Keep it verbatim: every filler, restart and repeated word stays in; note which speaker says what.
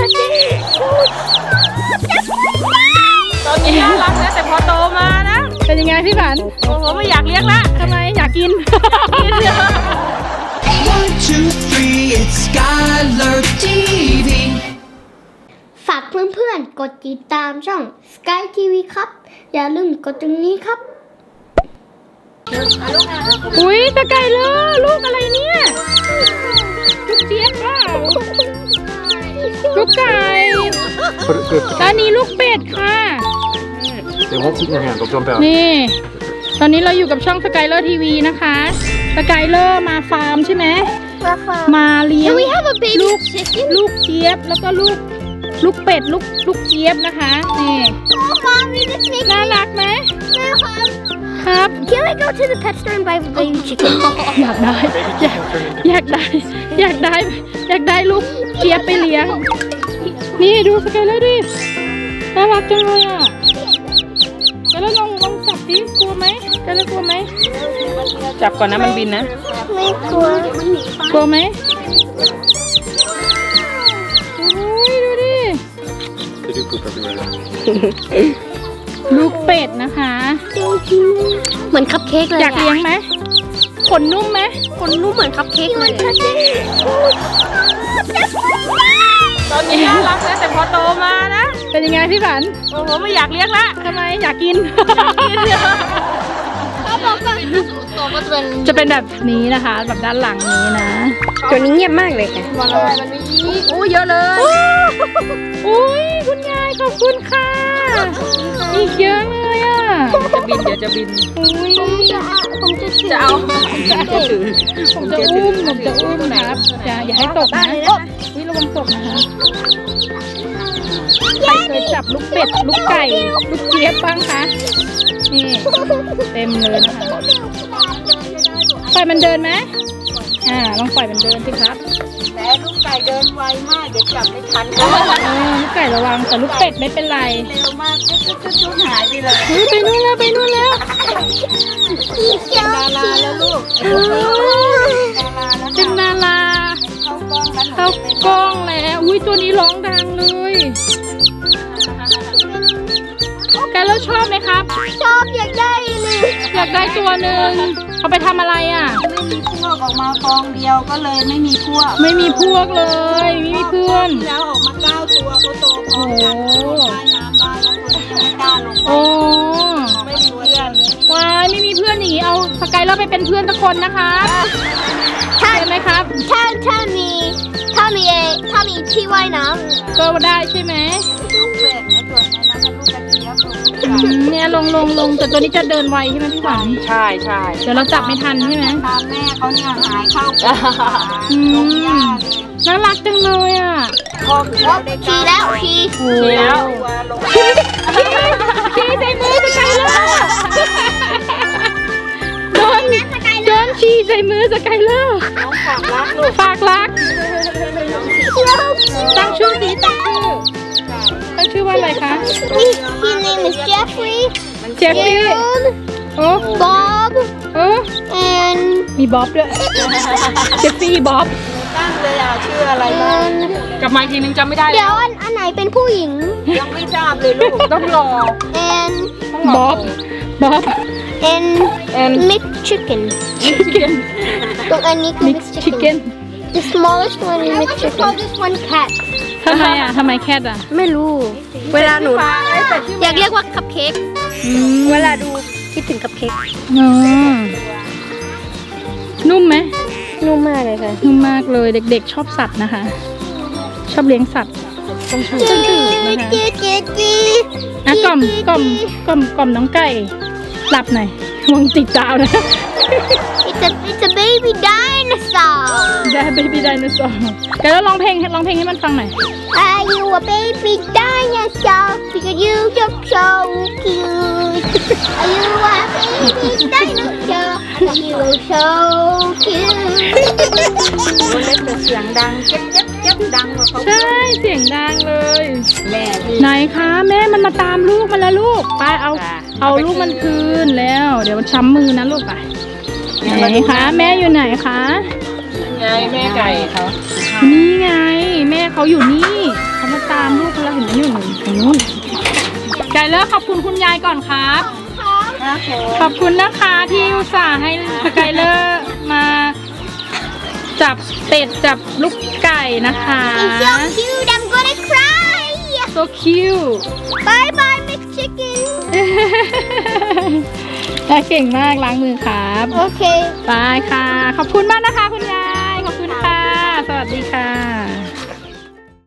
Speaker 1: ตอนนี้น่ารักนะแต่พอโตมานะเป็นยังไงพี่ฝันโอ้โหไม่อยากเลี้ยงละทำไมอยากกินกินเยอะ
Speaker 2: One two three it's Skylar ที วี
Speaker 3: ฝากเพื่อนๆกดติดตามช่อง Sky ที วี ครับอย่าลืมกดตรงนี้ครับ
Speaker 1: อุ้ยตะไก่เลยลูกอะไรเนี่ยลูกเจี๊ยบเปล่าลูกไก่ตอนนี้ลูกเป็ดค่ะ
Speaker 4: Det är hoppas jag hämtar från början.
Speaker 1: นี่ ตอนนี้เราอยู่กับช่องสกายเลอร์ทีวีนะคะสกายเลอร์มาฟาร์มใช่ไหมมาเลี้ยงลูกลูกเจี๊ยบแล้วก็ลูกลูกเป็ดลูกลูกเจี๊ยบนะคะนี่น่ารักไหมครับ
Speaker 3: Can I go to the pet store and buy baby chicken?
Speaker 1: อยากได้อยากอยากได้อยากได้อยากได้ลูกเจี๊ยบไปเลี้ยงนี่ดูสกายเลอร์ดิน่ารักจังเลยอ่ะแล้วลองลองจับดิกลัวไหมจะแล้วกลัวไหมจับก่อนนะมันบินนะ
Speaker 3: ไม่กลัว
Speaker 1: กลัวไหมโอ้ยดูดิ
Speaker 4: Det är uppåt att göra.
Speaker 1: ลูกเป็ดนะคะ
Speaker 3: เหมือนคัพเค้กเลย
Speaker 1: อยากเลี้ยงไหมขนนุ่มไหม
Speaker 3: คนนุ่มเหมือนคัพเค้กเลย
Speaker 1: ตอนนี้น่ารักนะแต่พอโตมานะเป็นยังไงพี่ฝันโอ้โหไม่อยากเลี้ยงละทำไมอยากกินกินเยอะ
Speaker 3: เขาบอกว่าตัวก็จะเป็น
Speaker 1: จะเป็นแบบนี้นะคะแบบด้านหลังนี้นะ
Speaker 3: ตัวนี้เงียบมากเลยค่ะ
Speaker 1: มันอะไรมันมีโอ้เยอะเลยอุ้ยคุณยายขอบคุณค่ะอีกเยอะเลยอ่ะจะบินเดี๋ยวจะบินอุ้ย
Speaker 3: ผมจะถือ
Speaker 1: จะเอาจะถือผมจะอุ้มผมจะอุ้มนะครับอย่าอย่าให้ตกนะอุ้ยระวังตกนะคะใครเคยจับลูกเป็ดลูกไก่ลูกเจี๊ยบบ้างคะนี่เต็มเลยนะคะปล่อยมันเดินไหมอ่าลองปล่อยมันเดินสิครับ
Speaker 5: แต่ลูกไก่เดินไวมากเดี๋ยวจับไม่ทัน
Speaker 1: เออลูกไก่ระวังแต่ลูกเป็ดไม่เป็นไร
Speaker 5: เร็วมากจุ๊บจุ๊บจุ๊บหายไปเลย
Speaker 1: เฮ้ยไปนู่นแล้วไปนู่นแล้ว
Speaker 5: ดาราแล้วลูก
Speaker 1: เออ
Speaker 5: ดาราแล้ว
Speaker 1: เป็นดารา
Speaker 5: เข้ากล้องแล้ว
Speaker 1: เข้ากล้องแล้วอุ้ยตัวนี้ร้องดังเลยแกแล้วชอบไหมครับ
Speaker 3: ชอบอยากได้เลย
Speaker 1: อยากได้ตัวหนึ่งเอาไปทำอะไรอ่ะ
Speaker 5: ไม่มีพวกออกมากองเดียวก็เลยไม่มีพวก
Speaker 1: ไม่มีพวกเลยไม่มีเพื่อน
Speaker 5: แล้วออกมาเก้าตัวเขาโตพร้อมกันว่ายน้ำได้แล้วตัวนี้ไม่กล้าลง
Speaker 1: โอ้
Speaker 5: ไม่มีเพื่อน
Speaker 1: วายไม่มีเพื่อนอย่างนี้เอาสกายแล้วไปเป็นเพื่อนสักคนนะคะใช่ไหมครับ
Speaker 3: ถ้าถ้ามีถ้ามีเอถ้ามีที่ว่ายน้
Speaker 1: ก็ได้ใช่ไหม
Speaker 5: ลูกเป็ดไอ้ตัวนั้นนะมันลูกกระเจี๊ยบลูก
Speaker 1: อืมเนี่ยลงลงลงแต่ตัวนี้จะเดินไวใช่ไหมพี่หวาน
Speaker 5: ใช่ใช่
Speaker 1: เดี๋ยวเราจับไม่ทันใช่ไหม
Speaker 5: ตามแม่เขาเนี่ยหายเข้าป่า
Speaker 1: อื
Speaker 5: ลง
Speaker 1: ม
Speaker 5: หญ้าเลย
Speaker 1: น่ารักจังเลยอ่ะ
Speaker 5: พ่อคือเราได้
Speaker 3: ำทีแล้วที
Speaker 1: โอ้
Speaker 5: แล้วลง
Speaker 1: ชี้ใส่มือสกายเลอร์โดนโดนชี้ใส่มือสกายเลอร์
Speaker 5: น้องฝากรักลูก
Speaker 1: ฝากรักตั้งชื่อสีตั้งชื่อตั้งชื่อว่าอะไรคะ
Speaker 3: His name is Jeffrey
Speaker 1: เจฟฟี่
Speaker 3: Gerald
Speaker 1: โอ้
Speaker 3: Bob
Speaker 1: เออ
Speaker 3: and
Speaker 1: มีบ๊อบด้วยเจฟฟี่บ๊อบ
Speaker 5: ตั้งเลยอ่ะชื่ออะไรบ้าง
Speaker 1: กลับมาอีกทีนึงจำไม่ได้
Speaker 3: เดี๋ยวอันอันไหนเป็นผู้หญิง
Speaker 5: ยังไม่ทราบเลยลูก
Speaker 1: ต้องรอ
Speaker 3: and
Speaker 1: บ๊อบบ๊อบ
Speaker 3: and
Speaker 1: and
Speaker 3: mixed chicken
Speaker 1: ชิคเก้น
Speaker 3: ตรงอันนี้คือ
Speaker 1: mixed
Speaker 3: mixed
Speaker 1: chicken
Speaker 3: chicken the smallest one is mixed chicken call this one cat
Speaker 1: ทำไมอ่ะทำไมแคทอ่ะ
Speaker 3: ไม่รู้ เวลาหนูอยากเรียกว่าคัพเค้ก
Speaker 1: อืม
Speaker 3: เวลาดูคิดถึงคัพเค้ก
Speaker 1: อ๋อนุ่มไหม
Speaker 3: นุ่มมากเลยค่ะ
Speaker 1: นุ่มมากเลยเด็กๆชอบสัตว์นะคะ ชอบเลี้ยงสัตว์ต้องถูกต้องถูกนะคะ
Speaker 3: จีจีจี
Speaker 1: อ่ะกล่อมกล่อมกล่อมกล่อมน้องไก่หลับหน่อยมองติดดาวนะ
Speaker 3: it's a it's a baby dinosaur
Speaker 1: ได้เบบี้ไดโนเสาร์เดี๋ยวเราร้องเพลงร้องเพลงให้มันฟังหน่อย
Speaker 3: Are you a baby dinosaur because you look so cute Are you a baby dinosaur because you look so cute
Speaker 5: ตัวเล็กแต่เสียงดังเจ๊บเจ๊บเจ๊บดังกว่าเขา
Speaker 1: ใช่เสียงดังเลย
Speaker 5: แม่พี่
Speaker 1: ไหนคะแม่มันมาตามลูกมันแล้วลูกไปเอาเอาลูกมันคืนแล้ว เดี๋ยวมันช้ำมือนะลูกไปไหนคะแม่อยู่ไหนคะ
Speaker 5: ไงแม่ไก่เขา
Speaker 1: นี่ไง แม่เขาอยู่นี่เขามาอร์ขอบคุณคุณยายก่อนครับ
Speaker 5: ครับผม
Speaker 1: ขอบคุณนะคะที่อุตส่าห์ให้สกายเลอร์มาจับเป็ดจับลูกไก่นะคะ
Speaker 3: It's so cute. I'm gonna cry.
Speaker 1: so cute
Speaker 3: Bye bye, Miss Chicken.
Speaker 1: เก่งมากล้างมือครับ
Speaker 3: Okay.
Speaker 1: ไปค่ะ ขอบคุณมากนะคะคุณยาย